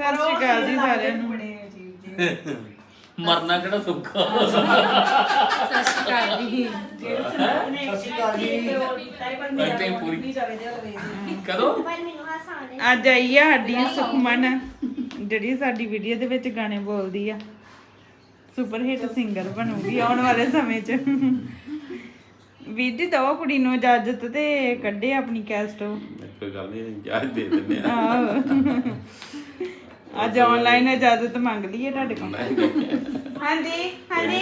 ਸਤਿ ਸ਼੍ਰੀ ਅਕਾਲ ਜੀ ਸਾਰਿਆਂ ਨੂੰ। ਮਰਨਾ ਕਿਹੜਾ ਸੁੱਖਾ। ਸਤਿ ਸ਼੍ਰੀ ਅਕਾਲ ਜੀ। ਕਦੋਂ ਅੱਜ ਆਈ ਆ ਸਾਡੀ ਸੁਖਮਨ, ਜਿਹੜੀ ਸਾਡੀ ਵੀਡੀਓ ਦੇ ਵਿੱਚ ਗਾਣੇ ਬੋਲਦੀ ਆ। ਸੁਪਰ ਹਿੱਟ ਸਿੰਗਰ ਬਣੂਗੀ ਆਉਣ ਵਾਲੇ ਸਮੇਂ 'ਚ। ਵੀਰ ਜੀ ਦਵਾ ਕੁੜੀ ਨੂੰ ਇਜਾਜ਼ਤ ਤੇ ਕੱਢੇ ਆਪਣੀ ਕੈਸਟ। ਕੋਈ ਗੱਲ ਨਹੀਂ, ਇਜਾਜ਼ਤ ਦੇ ਦਿੰਦੇ ਆ। ਆਹੋ, ਅੱਜ ਆਨਲਾਈਨ ਇਜਾਜ਼ਤ ਮੰਗ ਲਈ ਹੈ ਤੁਹਾਡੇ ਕੋਲ। ਹਾਂਜੀ ਹਾਂਜੀ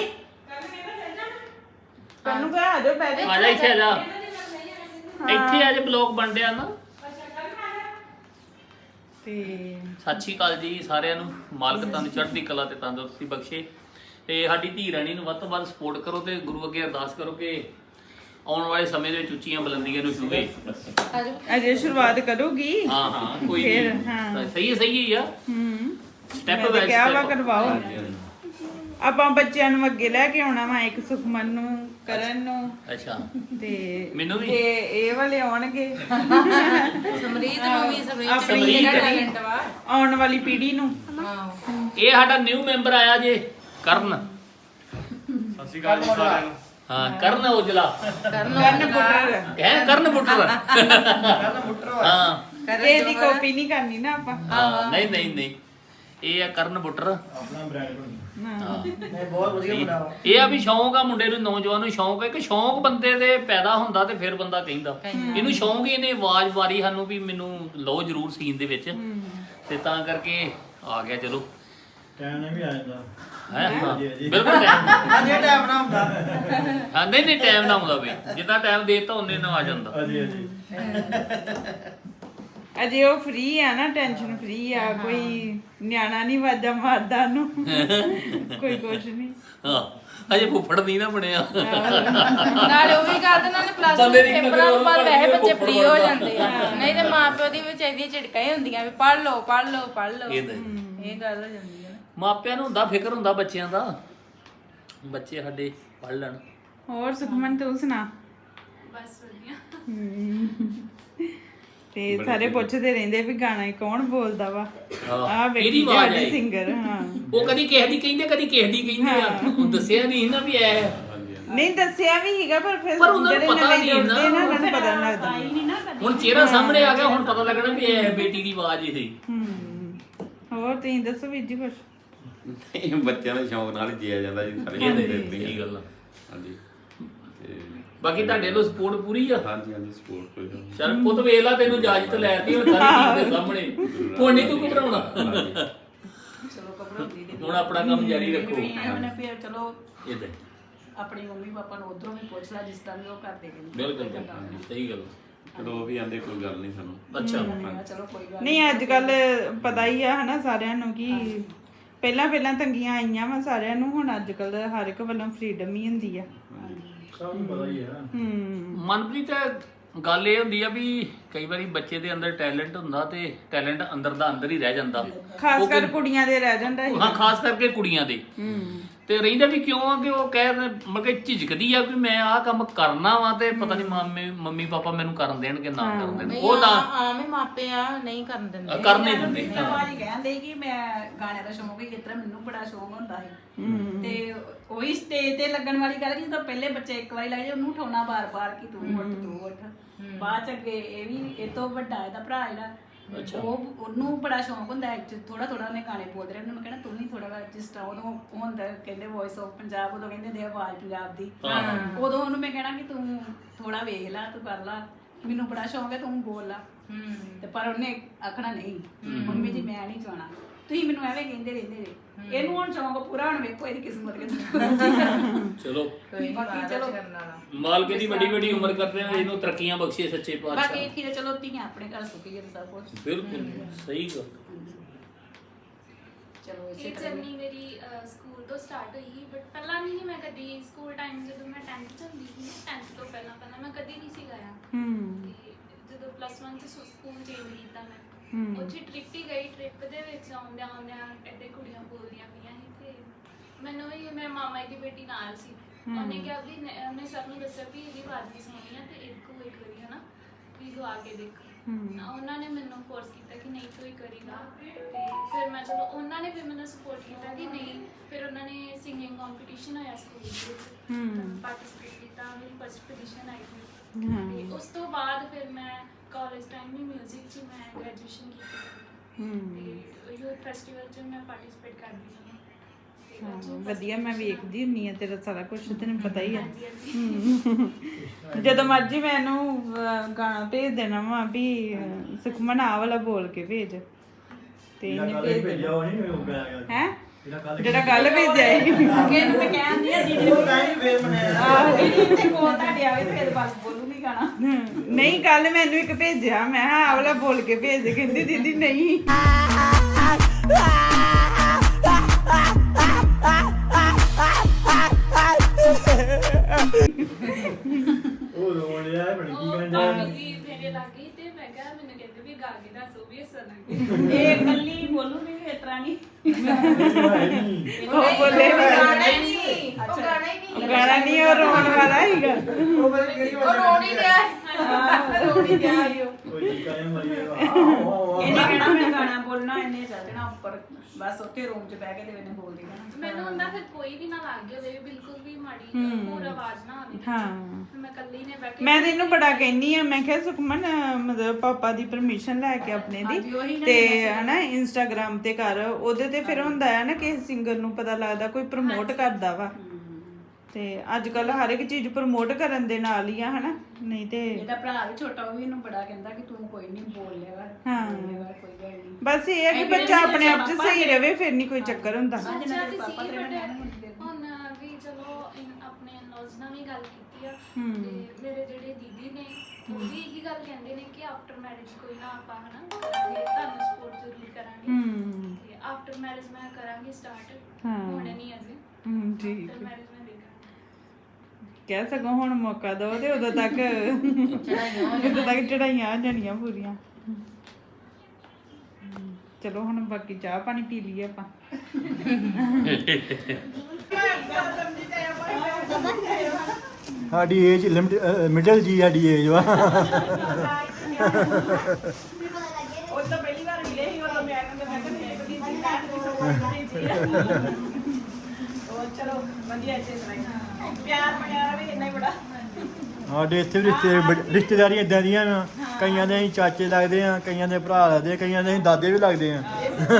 ਤੁਹਾਨੂੰ ਕਹਾਂ ਆ ਜਾਓ ਬੈਠ ਆ ਜਾ ਇੱਥੇ ਆ ਜਾ, ਇੱਥੇ ਅੱਜ ਬਲੌਗ ਬਣ ਰਿਹਾ ਨਾ। ਤੇ ਸਤਿ ਸ਼੍ਰੀ ਅਕਾਲ ਜੀ ਸਾਰਿਆਂ ਨੂੰ। ਮਾਲਕ ਤੁਹਾਨੂੰ ਚੜ੍ਹਦੀ ਕਲਾ ਤੇ ਤੰਦਰੁਸਤੀ ਬਖਸ਼ੇ। ਤੇ ਸਾਡੀ ਧੀ ਰਾਣੀ ਨੂੰ ਵੱਧ ਤੋਂ ਵੱਧ ਸਪੋਰਟ ਕਰੋ ਤੇ ਗੁਰੂ ਅੱਗੇ ਅਰਦਾਸ ਕਰੋ ਕਿ ਆਉਣ ਵਾਲੇ ਸਮੇਂ ਦੇ ਵਿੱਚ ਉੱਚੀਆਂ ਬੁਲੰਦੀਆਂ ਨੂੰ ਛੂਹੇ। ਅਜੇ ਸ਼ੁਰੂਆਤ ਕਰੂਗੀ। ਹਾਂ ਹਾਂ ਕੋਈ ਫਿਰ, ਨਹੀਂ, ਹਾਂ। ਸਹੀ ਹੀ ਆ। ਸਟੈਪ ਬਾਈ ਕਿਆ ਵਾ ਸਟੈਪ ਕਰਵਾਓ। ਆਪਾਂ ਬੱਚਿਆਂ ਨੂੰ ਅੱਗੇ ਲੈ ਕੇ ਆਉਣਾ ਵਾ, ਇੱਕ ਸੁਖਮਨ ਨੂੰ, ਕਰਨ ਨੂੰ, ਅੱਛਾ ਤੇ ਮੈਨੂੰ ਵੀ। ਇਹ ਵਾਲੇ ਆਉਣਗੇ ਸਮਰੀਤ ਨੂੰ ਵੀ, ਸਮਰੀਤ ਦਾ ਟੈਲੈਂਟ ਵਾ ਆਉਣ ਵਾਲੀ ਪੀੜ੍ਹੀ ਨੂੰ। ਇਹ ਸਾਡਾ ਨਿਊ ਮੈਂਬਰ ਆਇਆ ਜੇ ਕਰਨ। ਸਤਿ ਸ਼੍ਰੀ ਅਕਾਲ ਜੀ ਸਾਰਿਆਂ ਨੂੰ। ਹਾਂ ਕਰਨ ਔਜਲਾ, ਕਰਨ ਪੁੱਟਰ। ਕਹਿ ਕਰਨ ਬੁੱਟਰ। ਹਾਂ ਇਹਦੀ ਕਾਪੀ ਨਹੀਂ ਕਰਨੀ ਨਾ ਆਪਾਂ। ਹਾਂ ਨਹੀਂ ਨਹੀਂ ਨਹੀਂ, ਇਹ ਆ ਕਰਨ ਬੁੱਟਰ। ਆਪਣਾ ਬ੍ਰਾਂਡ ਬਣੀ। ਹਾਂ ਮੈਂ ਬਹੁਤ ਵਧੀਆ ਬਣਾਵਾ। ਇਹ ਆ ਵੀ ਸ਼ੌਂਕ ਆ ਮੁੰਡੇ ਨੂੰ, ਨੌਜਵਾਨ ਨੂੰ ਸ਼ੌਂਕ ਹੈ ਕਿ ਸ਼ੌਂਕ ਬੰਦੇ ਦੇ ਪੈਦਾ ਹੁੰਦਾ ਤੇ ਫਿਰ ਬੰਦਾ ਕਹਿੰਦਾ। ਇਹਨੂੰ ਸ਼ੌਂਕ ਹੀ, ਇਹਨੇ ਆਵਾਜ਼ ਮਾਰੀ ਸਾਨੂੰ ਵੀ ਮੈਨੂੰ ਲਓ ਜ਼ਰੂਰ ਸੀਨ ਦੇ ਵਿੱਚ, ਤੇ ਤਾਂ ਕਰਕੇ ਆ ਗਿਆ। ਚਲੋ ਟਾਈਮ ਨੇ ਵੀ ਆ ਜਾਂਦਾ। ਹੈ ਹਾਂ ਜੀ, ਜੀ। ਬਿਲਕੁਲ time। ਅਜੇ ਟਾਈਮ ਨਾ ਹੁੰਦਾ। ਹਾਂ ਨਹੀਂ ਨਹੀਂ ਟਾਈਮ ਨਾ ਆਉਂਦਾ ਬਈ, ਜਿੰਨਾ ਟਾਈਮ ਦੇਤਾ ਉਹਨੇ ਨਾ ਆ ਜਾਂਦਾ। ਅਜੇ ਅਜੇ ਅਜੇ ਉਹ ਫ੍ਰੀ ਆ ਨਾ, ਟੈਨਸ਼ਨ ਫ੍ਰੀ ਆ। ਕੋਈ ਨਿਆਣਾ ਨਹੀਂ ਵਾਜਾ ਮਾਰਦਾ ਨੂੰ, ਕੋਈ ਕੁਛ ਨਹੀਂ। ਹਾਂ ਅਜੇ ਫੁੱਫੜ ਨਹੀਂ ਨਾ ਬਣਿਆ। ਨਾਲੇ ਉਹ ਵੀ ਗੱਲ ਤੇ ਨਾਲੇ ਪਲੱਸ ਬੰਦੇ ਦੀ ਪੇਪਰਾਂ ਤੋਂ ਬਾਅਦ ਕਿੰਨੇ ਵੈਸੇ ਬੱਚੇ ਫੁੱਫੜ ਫ੍ਰੀ ਹੋ ਬਣਦਾ। ਜਾਂਦੇ ਆ, ਨਹੀਂ ਤੇ ਮਾਪਿਓ ਦੀ ਵਿੱਚ ਇਹਦੀਆਂ ਝਿੜਕਾਂ ਹੀ ਹੁੰਦੀਆਂ ਵੀ ਪੜ੍ਹ ਲਓ ਪੜ੍ਹ ਲਓ ਪੜ੍ਹ ਲਓ। ਇਹ ਤਾਂ ਇਹ ਗੱਲ ਹੋ ਜਾਂਦੀ ਹੈ ਨਾ। ਮਾਪਿਆਂ ਨੂੰ ਹੁੰਦਾ, ਫਿਕਰ ਹੁੰਦਾ ਬੱਚਿਆਂ ਦਾ, ਬੱਚੇ ਸਾਡੇ ਪੜ੍ਹ ਲੈਣ। ਹੋਰ ਸੁਖਮਨ ਤੂੰ ਸੁਣਾ। ਬਸ ਵਧੀਆ। ਤੇ ਸਾਰੇ ਪੁੱਛਦੇ ਰਹਿੰਦੇ ਵੀ ਗਾਣਾ ਕੌਣ ਬੋਲਦਾ ਵਾ। ਆਹ ਇਹਦੀ ਵੇਖੀ ਆਵਾਜ਼ ਸਾਡੀ ਹੈ। ਸਿੰਗਰ। ਹਾਂ ਉਹ ਕਦੀ ਕਿਸੇ ਦੀ ਕਹਿੰਦੇ, ਕਦੀ ਕਿਸੇ ਦੀ ਕਹਿੰਦੇ ਆ। ਉਹ ਦੱਸਿਆ ਨਹੀਂ ਨਾ ਵੀ ਐ। ਨਹੀਂ ਦੱਸਿਆ ਵੀ ਹੈਗਾ, ਪਰ ਫਿਰ ਪਰ ਉਹਨਾਂ ਨੂੰ ਜਿਹੜੇ ਪਤਾ ਨਵੇਂ ਨਹੀਂ ਨਾ। ਜੁੜਦੇ ਨਾ, ਉਹਨਾਂ ਨੂੰ ਪਤਾ ਨਹੀਂ ਲੱਗਦਾ। ਹੁਣ ਚਿਹਰਾ ਸਾਹਮਣੇ ਆ ਗਿਆ, ਹੁਣ ਪਤਾ ਲੱਗਣਾ ਵੀ ਐ ਬੇਟੀ ਦੀ ਆਵਾਜ਼ ਇਹ। ਹੋਰ ਤੁਸੀਂ ਦੱਸੋ ਵੀਰ ਜੀ ਕੁਛ। ਨਹੀਂ, ਬੱਚਿਆਂ ਦੇ ਸ਼ੌਂਕ ਨਾਲ ਹੀ ਜੀਆ ਜਾਂਦਾ ਜੀ, ਸਾਰੇ ਇਹ ਬੰਦੇ ਤਾਂ ਕਰਦੇ ਸਹੀ ਗੱਲ ਆ। ਹਾਂਜੀ ਤੇ ਬਾਕੀ ਤੁਹਾਡੇ ਵੱਲੋਂ ਸਪੋਰਟ ਪੂਰੀ ਆ। ਹਾਂਜੀ ਹਾਂਜੀ ਸਪੋਰਟ ਕੋਈ ਗੱਲ ਨਹੀਂ। ਚੱਲ ਪੁੱਤ ਵੇਖ ਲਾ, ਤੈਨੂੰ ਇਜਾਜ਼ਤ ਲੈਤੀ ਹੁਣ ਸਾਰੀ ਟੀਮ ਦੇ ਸਾਹਮਣੇ। ਹੁਣ ਨਹੀਂ ਤੂੰ ਘਬਰਾਉਣਾ। ਚਲੋ ਘਬਰਾਉਂਦੀ ਨਹੀਂ। ਹੁਣ ਆਪਣਾ ਕੰਮ ਜਾਰੀ ਰੱਖੋ। ਉਹਨੇ ਫਿਰ ਚਲੋ ਇਹ ਤਾਂ ਆਪਣੀ ਮੰਮੀ ਪਾਪਾ ਨੂੰ ਉਧਰੋਂ ਵੀ ਪੁੱਛ ਲਾ, ਜਿਸ ਤਰ੍ਹਾਂ ਵੀ ਉਹ ਕਰਦੇ ਨੇ। ਬਿਲਕੁਲ ਸਹੀ ਗੱਲ। ਚਲੋ ਉਹ ਵੀ ਆਂਦੇ ਕੋਈ ਗੱਲ ਨਹੀਂ ਸਾਨੂੰ। ਅੱਛਾ ਚਲੋ ਕੋਈ ਗੱਲ ਨਹੀਂ ਅੱਜ ਕੱਲ ਪਤਾ ਹੀ ਆ ਹਨਾ ਸਾਰਿਆਂ ਨੂੰ ਕਿ ਪਹਿਲਾਂ ਤੰਗੀਆਂ ਆਈਆਂ ਵਾ ਸਾਰਿਆਂ ਨੂੰ, ਹੁਣ ਅੱਜ ਕੱਲ ਹਰ ਇੱਕ ਵੱਲੋਂ ਫ੍ਰੀडम ਹੀ ਹੁੰਦੀ ਆ। ਸਭ ਨੂੰ ਪਤਾ ਹੀ ਹੈ। ਮਨਪ੍ਰੀਤ, ਗੱਲ ਇਹ ਹੁੰਦੀ ਆ ਵੀ ਕਈ ਵਾਰੀ ਬੱਚੇ ਦੇ ਅੰਦਰ ਟੈਲੈਂਟ ਹੁੰਦਾ ਤੇ ਟੈਲੈਂਟ ਅੰਦਰ ਦਾ ਅੰਦਰ ਹੀ ਰਹਿ ਜਾਂਦਾ। ਖਾਸ ਕਰ ਕੁੜੀਆਂ ਦੇ ਰਹਿ ਜਾਂਦਾ ਹੈ। ਹਾਂ ਖਾਸ ਕਰਕੇ ਕੁੜੀਆਂ ਦੇ। ਤੇ ਰਹਿੰਦਾ ਵੀ ਕਿਉਂ ਆ ਕਿ ਉਹ ਮਤਲਬ ਕਿ ਝਿਜਕਦੀ ਆ ਵੀ ਮੈਂ ਆਹ ਕੰਮ ਕਰਨਾ ਵਾ ਤੇ ਪਤਾ ਨਹੀਂ ਮੰਮੀ ਪਾਪਾ ਮੈਨੂੰ ਕਰਨ ਦੇਣਗੇ ਨਾ ਕਰਨ ਦੇਣ। ਨਹੀਂ ਉਹ ਤਾਂ ਆਵੇਂ ਮਾਪੇ ਆ ਨਹੀਂ ਕਰਨ ਦਿੰਦੇ। ਕਰਨ ਨਹੀਂ ਦਿੰਦੇ। ਭਾਜੀ ਕਹਿੰਦੇ ਕਿ ਮੈਂ ਗਾਣੇ ਦਾ ਸ਼ੌਂਕ ਹੀ ਕਿਤਰਾ, ਮੈਨੂੰ ਬੜਾ ਸ਼ੌਂਕ ਹੁੰਦਾ ਸੀ। ਤੇ ਉਹੀ ਸਟੇਜ ਤੇ ਲੱਗਣ ਵਾਲੀ ਗੱਲ ਕਿ ਜਦੋਂ ਪਹਿਲੇ ਬੱਚੇ ਇੱਕ ਵਾਰੀ ਲੱਗ ਜਾਏ, ਉਹਨੂੰ ਉਠਾਉਣਾ ਬਾਰ-ਬਾਰ ਕਿ ਤੂੰ ਉੱਠ ਤੂੰ ਉੱਠ। ਬਾਅਦ ਚ ਅੱਗੇ ਇਹ ਵੀ ਇਹ ਤੋਂ ਵੱਡਾ ਇਹਦਾ ਭਰਾ ਜਿਹੜਾ, ਉਹਨੂੰ ਬੜਾ ਸ਼ੌਂਕ ਹੁੰਦਾ ਥੋੜਾ ਥੋੜਾ ਉਹਨੇ ਗਾਣੇ ਬੋਲਦੇ ਰਹੇ। ਉਹਨੂੰ ਮੈਂ ਕਹਿਣਾ ਤੂੰ ਨਹੀਂ ਥੋੜਾ, ਜਿਸ ਤਰ੍ਹਾਂ ਉਦੋਂ ਹੁੰਦਾ ਕਹਿੰਦੇ ਵੌਇਸ ਆਫ ਪੰਜਾਬ, ਉਦੋਂ ਕਹਿੰਦੇ ਦੇ ਆਵਾਜ਼ ਪੰਜਾਬ ਦੀ, ਉਦੋਂ ਉਹਨੂੰ ਮੈਂ ਕਹਿਣਾ ਕਿ ਤੂੰ ਥੋੜਾ ਵੇਖ ਲਾ, ਤੂੰ ਕਰ ਲਾ, ਮੈਨੂੰ ਬੜਾ ਸ਼ੌਂਕ ਹੈ ਤੂੰ ਬੋਲ ਲਾ। ਤੇ ਪਰ ਉਹਨੇ ਆਖਣਾ ਨਹੀਂ ਮੰਮੀ ਜੀ ਮੈਂ ਨਹੀਂ ਚਾਹਣਾ, ਤੁਸੀਂ ਮੈਨੂੰ ਐਵੇਂ ਕਹਿੰਦੇ ਰਹਿੰਦੇ ਜੇ। ਇਹਨੂੰ ਹੁਣ ਸ਼ੌਂਕ ਪੂਰਾ, ਹੁਣ ਵੇਖੋ ਇਹਦੀ ਕਿਸਮਤ ਚਲੋ ਬਾਕੀ ਚਲੋ ਮਾਲਕ ਦੀ ਵੱਡੀ ਵੱਡੀ ਉਮਰ ਕਰਦੇ ਆ, ਇਹਨੂੰ ਤਰੱਕੀਆਂ ਬਖਸ਼ੇ ਸੱਚੇ ਬਾਕੀ ਪਾਤਸ਼ਾਹ। ਠੀਕ ਹੈ। ਚਲੋ ਧੀਆਂ ਆਪਣੇ ਘਰ ਸੁਖੀ ਹੈ ਸਭ ਕੁਝ। ਬਿਲਕੁਲ ਸਹੀ ਗੱਲ। ਚਲੋ ਇਸੇ ਇਹ ਤਰ੍ਹਾਂ ਜਰਨੀ ਮੇਰੀ ਸਕੂਲ ਤੋਂ ਸਟਾਰਟ ਹੋਈ ਸੀ, ਬਟ ਪਹਿਲਾਂ ਨਹੀਂ ਮੈਂ ਕਦੀ ਸਕੂਲ ਟਾਈਮ ਜਦੋਂ ਮੈਂ 10th ਚ ਹੁੰਦੀ ਸੀ, 10th ਤੋਂ ਪਹਿਲਾਂ ਮੈਂ ਕਦੀ ਨਹੀਂ ਸੀ ਗਾਇਆ। ਤੇ ਜਦੋਂ +1 ਚ ਸਕੂਲ ਚੇਂਜ ਕੀਤਾ ਮੈਂ, ਉੱਥੇ ਟ੍ਰਿਪ ਹੀ ਗਈ। ਟ੍ਰਿਪ ਦੇ ਵਿੱਚ ਆਉਂਦਿਆਂ ਐਡੇ ਕੁੜੀਆਂ ਬੋਲਦੀਆਂ ਪਈਆਂ ਸੀ ਤੇ ਮੈਨੂੰ ਵੀ ਮੇਰੇ ਮਾਮਾ ਦੀ ਬੇਟੀ ਨਾਲ ਸੀ। ਉਹਨੇ ਕਿਹਾ ਵੀ ਉਹਨੇ ਸਭ ਨੂੰ ਦੱਸਿਆ ਵੀ ਇਹਦੀ ਆਵਾਜ਼ ਵੀ ਸੋਹਣੀ ਆ ਤੇ ਇੱਕ ਵਾਰੀ ਹਨਾ ਵੀ ਗਵਾ ਕੇ ਦੇਖੋ। ਉਹਨਾਂ ਨੇ ਮੈਨੂੰ ਫੋਰਸ ਕੀਤਾ ਕਿ ਨਹੀਂ ਤੂੰ ਇੱਕ ਵਾਰੀ ਗਾ। ਤੇ ਫਿਰ ਮੈਂ ਮੈਂ ਚਲੋ ਉਹਨਾਂ ਨੇ ਫਿਰ ਮੈਨੂੰ ਸਪੋਰਟ ਕੀਤਾ ਕਿ ਨਹੀਂ। ਫਿਰ ਉਹਨਾਂ ਨੇ ਸਿੰਗਿੰਗ ਕੰਪੀਟੀਸ਼ਨ ਹੋਇਆ ਸਕੂਲ ਵਿੱਚ, ਪਾਰਟਿਸਿਪੇਟ ਕੀਤਾ, ਮੇਰੀ ਫਸਟ ਪੋਜੀਸ਼ਨ ਆਈ ਸੀ। ਤੇ ਉਸ ਤੋਂ ਬਾਅਦ ਫਿਰ ਮੈਂ ਕਾਲਜ ਟਾਈਮ ਵੀ 뮤직 'ਚ ਮੈਂ ਗ੍ਰੈਜੂਏਸ਼ਨ ਕੀਤੀ ਤੇ ਯੂਥ ਫੈਸਟੀਵਲ 'ਚ ਮੈਂ ਪਾਰਟਿਸਿਪੇਟ ਕਰਦੀ ਹਾਂ। ਵਧੀਆ, ਮੈਂ ਵੇਖਦੀ ਹੁੰਨੀ ਆ ਤੇਰਾ ਸਾਰਾ ਕੁਝ, ਤੈਨੂੰ ਪਤਾ ਹੀ ਆ। ਜਦੋਂ ਮਰਜੀ ਮੈਨੂੰ ਗਾਣਾ ਭੇਜ ਦੇਣਾ ਵਾ ਵੀ ਸੁਖਮਨ ਆਹ ਵਾਲਾ ਬੋਲ ਕੇ ਭੇਜ, ਤੇ ਇਹਨੇ ਭੇਜ ਭੇਜਿਆ ਉਹ ਨਹੀਂ ਉਹ ਗਿਆ ਗਿਆ ਹੈ ਜਿਹੜਾ ਜਿਹੜਾ ਕੱਲ ਭੇਜਿਆ ਸੀ। ਅੱਗੇ ਨੂੰ ਮੈਂ ਕਹਿੰਦੀ ਆ ਦੀਦੀ ਉਹ ਟਾਈਮ ਫੇਰ ਬਣਿਆ ਦੀਦੀ ਤੇ ਕੋਲ ਤੁਹਾਡੇ ਆਵੇ ਤੇ ਫਿਰ ਬਸ ਬੋਲੂਗੀ ਗਾਣਾ। ਨਹੀਂ, ਕੱਲ ਮੈਨੂੰ ਇੱਕ ਭੇਜਿਆ, ਮੈਂ ਕਿਹਾ ਆਹ ਵਾਲਾ ਬੋਲ ਕੇ ਭੇਜ ਦੇ, ਕਹਿੰਦੀ ਦੀਦੀ ਨਹੀਂ। ਉਹ ਰੋਣ ਰਿਹਾ ਬਣ ਕੀ ਕਰਨ ਉਹ ਵੀ ਮੇਰੇ ਲੱਗੀ ਤੇ ਮੈਂ ਕਿਹਾ ਮੈਨੂੰ ਕਹਿੰਦੇ ਵੀ ਗਾ ਕੇ ਦੱਸੋ ਵੀ ਹੱਸਣ ਲੱਗੀ। ਇਹ ਕੱਲੀ ਬੋਲੂਗੀ ਵੀ ਇਸ ਤਰ੍ਹਾਂ ਨਹੀਂ। ਉਹ ਬੋਲੇ ਗਾਣਾ ਹੀ ਨਹੀਂ, ਉਹ ਗਾਣਾ ਹੀ ਨਹੀਂ। ਗਾਣਾ ਨਹੀਂ, ਉਹ ਰੋਣ ਵਾਲਾ ਸੀਗਾ। ਉਹ ਪਤਾ ਕਿਹੜੀ ਉਹ ਰੋਣ ਹੀ ਰਿਹਾ ਰੋਣ ਹੀ ਰਿਹਾ ਸੀ ਉਹ। ਉਹ ਜੀ ਕਾਇ ਮਰੀ ਆਹ ਇਹਨੇ ਕਹਿਣਾ ਮੈਂ ਗਾਣਾ ਬੋਲਣਾ, ਇਹਨੇ ਚੱਲ ਜਾਣਾ ਉੱਪਰ ਬਸ ਉੱਥੇ ਰੂਮ 'ਚ ਬਹਿ ਕੇ ਤੇ ਇਹਨੇ ਬੋਲ ਦੇਣਾ। ਮੈਨੂੰ ਹੁੰਦਾ ਫਿਰ ਕੋਈ ਵੀ ਨਾ ਲੱਗ ਗਿਆ ਹੋਵੇ, ਬਿਲਕੁਲ ਵੀ ਮਾੜੀ ਹੋਰ ਆਵਾਜ਼ ਨਾ ਆਵੇ। ਹਾਂ, ਫਿਰ ਮੈਂ ਇਕੱਲੀ ਨੇ ਬਹਿ ਕੇ ਮੈਂ ਤੈਨੂੰ ਬੜਾ ਕਹਿੰਨੀ ਆ, ਮੈਂ ਕਿਹਾ ਸੁਖਮਨ ਮਤਲਬ ਪਾਪਾ ਦੀ ਪਰਮਿਸ਼ਨ ਲੈ ਕੇ ਆਪਣੇ ਹਾਂਜੀ, ਉਹੀ ਦੀ ਨਾ ਤੇ ਹਨਾ ਇੰਸਟਾਗ੍ਰਾਮ ਤੇ ਕਰ, ਉਹਦੇ ਤੇ ਫਿਰ ਹੁੰਦਾ ਹੈ ਨਾ ਕਿਸੇ ਸਿੰਗਰ ਨੂੰ ਪਤਾ ਲੱਗਦਾ, ਕੋਈ ਪ੍ਰਮੋਟ ਕਰਦਾ ਵਾ। ਤੇ ਅੱਜ ਕੱਲ ਹਰ ਇੱਕ ਚੀਜ਼ ਪ੍ਰਮੋਟ ਕਰਨ ਦੇ ਨਾਲ ਹੀ ਆ, ਹਨਾ। ਨਹੀਂ ਤੇ ਇਹਦਾ ਭਰਾ ਵੀ ਛੋਟਾ, ਉਹ ਵੀ ਇਹਨੂੰ ਬੜਾ ਕਹਿੰਦਾ ਕਿ ਤੂੰ ਕੋਈ ਨਹੀਂ ਬੋਲ ਲਿਆ ਕਰ, ਹਾਂ। ਬੋਲ ਲਿਆ ਕਰ, ਕੋਈ ਗੱਲ ਨਹੀਂ। ਬਸ ਇਹ ਹੈ ਕਿ ਬੱਚਾ ਆਪਣੇ ਆਪ 'ਚ ਸਹੀ ਰਵੇ, ਫਿਰ ਨਹੀਂ ਕੋਈ ਚੱਕਰ ਹੁੰਦਾ। ਸੋਚਿਆ ਤੇ ਸੀ ਬਟ ਹੁਣ ਵੀ ਚਲੋ ਆਪਣੇ ਇਨ-ਲॉज ਨਾਲ ਵੀ ਗੱਲ ਕੀਤੀ ਆ ਤੇ ਮੇਰੇ ਜਿਹੜੇ ਦੀਦੀ ਨੇ ਉਹ ਵੀ ਇਹੀ ਗੱਲ ਕਹਿੰਦੇ ਨੇ ਕਿ ਆਫਟਰ ਮੈਰਿਜ ਕੋਈ ਨਾ ਆਪਾਂ ਹਨਾ ਕਰਾਂਗੇ, ਤੁਹਾਨੂੰ ਸਪੋਰਟ ਜ਼ਰੂਰ ਕਰਾਂਗੇ। ਤੇ ਆਫਟਰ ਮੈਰਿਜ ਮੈਂ ਕਰਾਂਗੀ ਸਟਾਰਟ, ਹੁਣ ਨਹੀਂ ਅਜੇ। ਠੀਕ ਆਫਟਰ ਮੈਰਿਜ ਮੈਂ ਦੇਖਾਂਗੀ। ਕਹਿ ਸਕੋ ਹੁਣ ਮੌਕਾ ਦਿਓ ਤੇ ਉਦੋਂ ਤੱਕ ਚੜਾਈਆਂ ਆ ਜਾਣੀਆਂ ਪੂਰੀਆਂ। ਚਲੋ ਹੁਣ ਬਾਕੀ ਚਾਹ ਪਾਣੀ ਪੀ ਲਈਏ ਆਪਾਂ। ਸਾਡੀ ਏਜ ਮਿਡਲ ਜੀ, ਸਾਡੀ ਏਜ ਵਾ। ਉਹ ਤਾਂ ਪਹਿਲੀ ਵਾਰ ਮਿਲੇ ਸੀ, ਉਹ ਮੈਂ ਉਹ ਚਲੋ ਵਧੀਆ ਇੱਥੇ ਪਿਆਰ ਪਿਆਰ ਵੀ ਇੰਨਾ ਹੀ ਬੜਾ। ਸਾਡੇ ਇੱਥੇ ਵੀ ਰਿਸ਼ਤੇਦਾਰੀਆਂ ਇਦਾਂ ਦੀਆਂ ਆ, ਕਈਆਂ ਦੇ ਅਸੀਂ ਚਾਚੇ ਲੱਗਦੇ ਆ, ਕਈਆਂ ਦੇ ਭਰਾ ਲੱਗਦੇ ਆ, ਕਈਆਂ ਦੇ ਅਸੀਂ ਦਾਦੇ ਵੀ ਲੱਗਦੇ ਆ।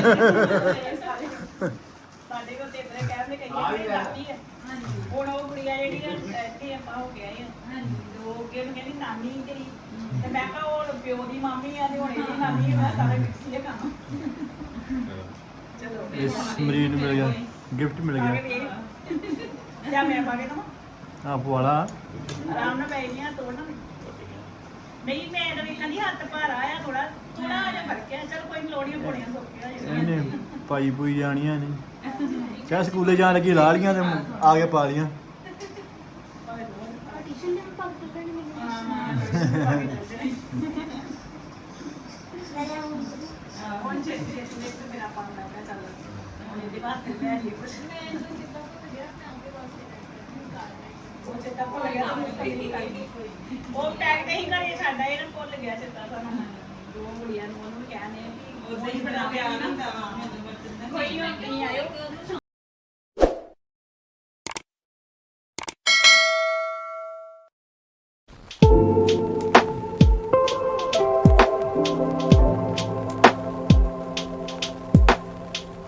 ਸਾਡੇ ਕੋਲ ਤੇ ਇਤਨੇ ਕਹਿੰਦੇ ਕਈਆਂ ਦੀ ਦਾਦੀ ਹੈ। ਹੁਣ ਉਹ ਕੁੜੀਆਂ ਜਿਹੜੀਆਂ ਇੱਥੇ ਆਪਾਂ ਹੋ ਕੇ ਆਏ ਆ, ਉਹ ਅੱਗੇ ਨੂੰ ਕਹਿੰਦੀ ਨਾਨੀ ਤੇਰੀ, ਤੇ ਮੈਂ ਕਿਹਾ ਉਹ ਪਿਓ ਦੀ ਮਾਮੀ ਆ ਤੇ ਹੁਣ ਇਹਦੀ ਨਾਨੀ ਆ, ਸਾਰੇ ਮਿਕਸ ਹੀ ਆ ਕੰਮ। ਚਲੋ ਇਸ ਮਰੀਜ਼ ਨੂੰ ਮਿਲ ਗਿਆ, ਗਿਫਟ ਮਿਲ ਗਿਆ। ਜਾਂ ਮੈਂ ਪਾ ਕੇ ਦਵਾਂ, ਆਪ ਵਾਲਾ ਆਰਾਮ ਨਾਲ ਬੈ ਗਈਆਂ ਤੋੜਨਾ ਨਹੀਂ। ਮੈਂ ਤਾਂ ਵੇਖਾਂ ਦੀ ਹੱਥ ਭਾਰਾ ਆ, ਥੋੜਾ ਜਿਹਾ ਫਰਕ ਹੈ। ਚਲ ਕੋਈ ਲੋੜੀਆਂ ਪੋੜੀਆਂ ਸੌਖੀਆਂ ਹੋ ਜਾਣਗੀਆਂ। ਇਹਨੇ ਪਾਈ ਪੂਈ ਜਾਣੀਆਂ ਨੇ, ਕਿਆ ਸਕੂਲੇ ਜਾਣ ਲੱਗੀ ਲਾ ਲੀਆਂ ਤੇ ਆ ਕੇ ਪਾ ਲੀਆਂ। ਟਿਊਸ਼ਨ ਦੇ ਪੱਗ ਕੱਢਣੀ ਮੈਨੂੰ ਹੁਣ ਛੇਤੀ ਮੇਰਾ ਪਾਉਣ ਲੱਗਾ, ਚੱਲ ਹੁਣ ਇਹਦੇ ਵਾਸਤੇ ਲੈ ਲਈ ਕੁਛ। ਉਹ ਚੇਤਾ ਭੁੱਲ ਗਿਆ ਤਾਂ ਮੁਸ਼ਕਿਲ ਹੀ ਕਰਦੀ। ਉਹ ਪੈਕ ਤੇ ਹੀ ਘਰੇ ਸਾਡਾ, ਇਹਨਾਂ ਭੁੱਲ ਗਿਆ ਚੇਤਾ ਸਾਨੂੰ। ਦੋ ਕੁੜੀਆਂ ਨੂੰ ਉਹਨੂੰ ਕਹਿੰਦੇ ਉਦਾਂ ਹੀ ਬੜਾ ਪਿਆਰ ਹੁੰਦਾ ਵਾ।